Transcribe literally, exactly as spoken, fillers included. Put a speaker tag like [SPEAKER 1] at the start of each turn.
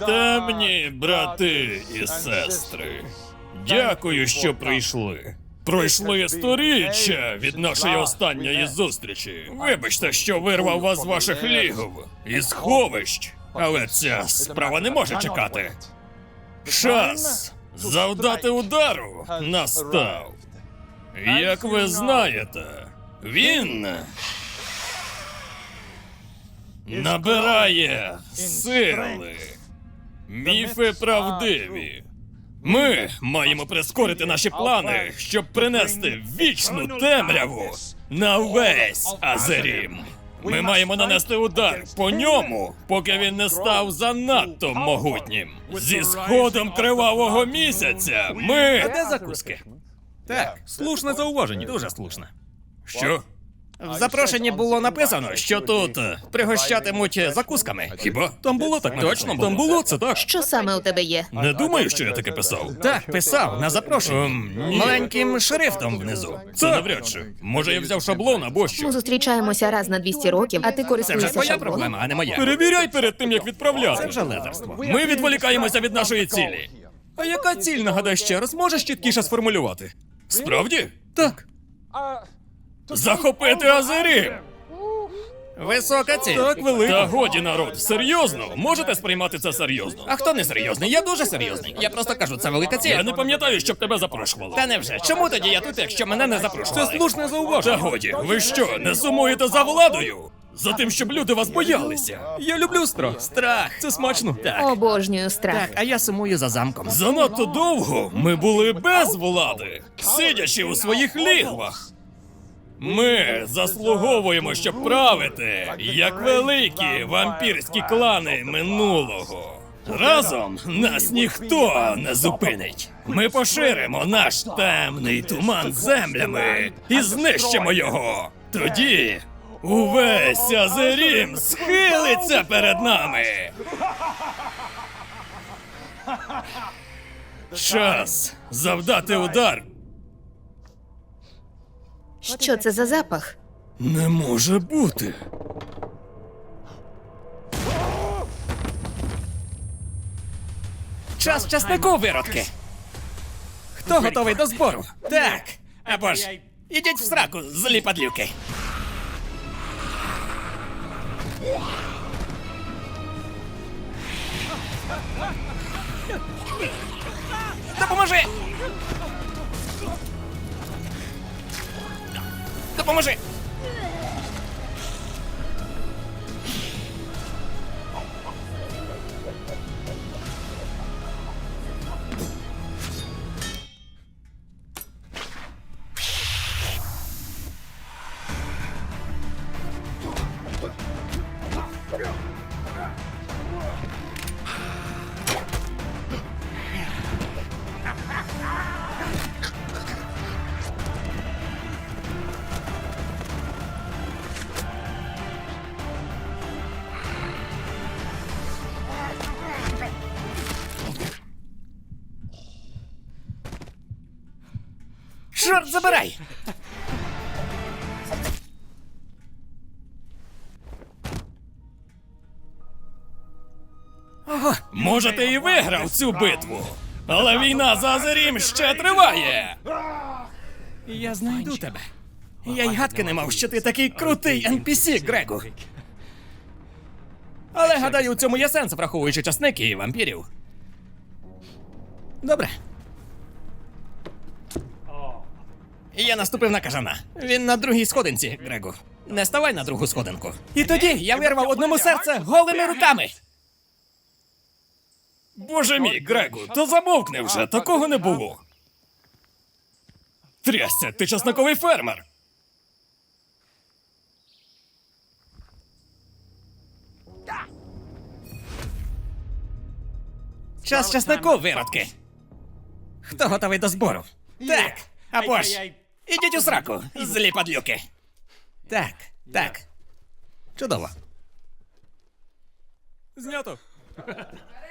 [SPEAKER 1] Темні брати і сестри, дякую, що прийшли. Пройшли сторіччя від нашої останньої зустрічі. Вибачте, що вирвав вас з ваших лігов і сховищ, але ця справа не може чекати. Час завдати удару настав. Як ви знаєте, він набирає сили. Міфи правдиві. Ми маємо прискорити наші плани, щоб принести вічну темряву на весь Азерім. Ми маємо нанести удар по ньому, поки він не став занадто могутнім. Зі сходом кривавого місяця ми...
[SPEAKER 2] Де закуски? Так, слушне зауваження. Дуже слушне.
[SPEAKER 1] Що?
[SPEAKER 2] В запрошенні було написано, що тут е, пригощатимуть закусками.
[SPEAKER 1] Хіба?
[SPEAKER 2] Там було так написано.
[SPEAKER 1] Точно було?
[SPEAKER 2] Там було, це так.
[SPEAKER 3] Що саме у тебе є?
[SPEAKER 1] Не думаю, що я таке писав.
[SPEAKER 2] Так, писав на запрошенні.
[SPEAKER 1] Ем, ні.
[SPEAKER 2] Маленьким шрифтом внизу.
[SPEAKER 1] Це навряд чи. Може, я взяв шаблон або що?
[SPEAKER 3] Ми зустрічаємося раз на двісті років, а ти
[SPEAKER 2] Це вже
[SPEAKER 3] користуєшся
[SPEAKER 2] твоя
[SPEAKER 3] шаблоном?
[SPEAKER 2] проблема, а не моя.
[SPEAKER 1] Перевіряй перед тим, як відправляти.
[SPEAKER 2] Це вже ледерство.
[SPEAKER 1] Ми відволікаємося від нашої цілі.
[SPEAKER 2] А яка ціль, нагадай ще раз, можеш чіткіше сформулювати?
[SPEAKER 1] Справді?
[SPEAKER 2] Так.
[SPEAKER 1] Захопити Азерім!
[SPEAKER 2] Висока ціль.
[SPEAKER 1] Так, велика. Та годі, народ, серйозно? Можете сприймати це серйозно?
[SPEAKER 2] А хто не серйозний? Я дуже серйозний. Я просто кажу, це велика ціль.
[SPEAKER 1] Я не пам'ятаю, щоб тебе запрошували.
[SPEAKER 2] Та невже? Чому тоді я тут, якщо мене не запрошували?
[SPEAKER 1] Це слушне зауваження. Та годі, ви що, не сумуєте за владою? За тим, щоб люди вас боялися?
[SPEAKER 2] Я люблю страх. Страх. Це смачно. Так.
[SPEAKER 3] Обожнюю страх.
[SPEAKER 2] Так, а я сумую за замком.
[SPEAKER 1] Занадто довго ми були без влади, сидячи у своїх лігвах. Ми заслуговуємо, щоб правити, як великі вампірські клани минулого. Разом нас ніхто не зупинить. Ми поширимо наш темний туман землями і знищимо його. Тоді увесь Азерім схилиться перед нами. Час завдати удар.
[SPEAKER 3] Що це за запах?
[SPEAKER 1] Не може бути.
[SPEAKER 2] Час часнику, виродки. Хто готовий до збору? Так. Або ж ідіть в сраку, злі падлюки. Допоможи! Допоможи! Чорт забирай! Ого,
[SPEAKER 1] Може, ти і виграв цю битву, але війна за Азерім ще триває.
[SPEAKER 2] я знайду тебе. Я й гадки не мав, що ти такий крутий ен пі сі, Грегу. Але, гадаю, у цьому є сенс, враховуючи часники і вампірів. Добре. Я наступив на кажана. Він на другій сходинці, Грегу. Не ставай на другу сходинку. І тоді я вирвав одному серце голими руками.
[SPEAKER 1] Боже мій, Грегу, то замовкни вже, такого не було. Трясся, ти часниковий фермер.
[SPEAKER 2] Час часнику, виродки. Хто готовий до збору? Так, або ж ідіть у сраку, злі падлюки. Так, так. Чудово.
[SPEAKER 1] Знято.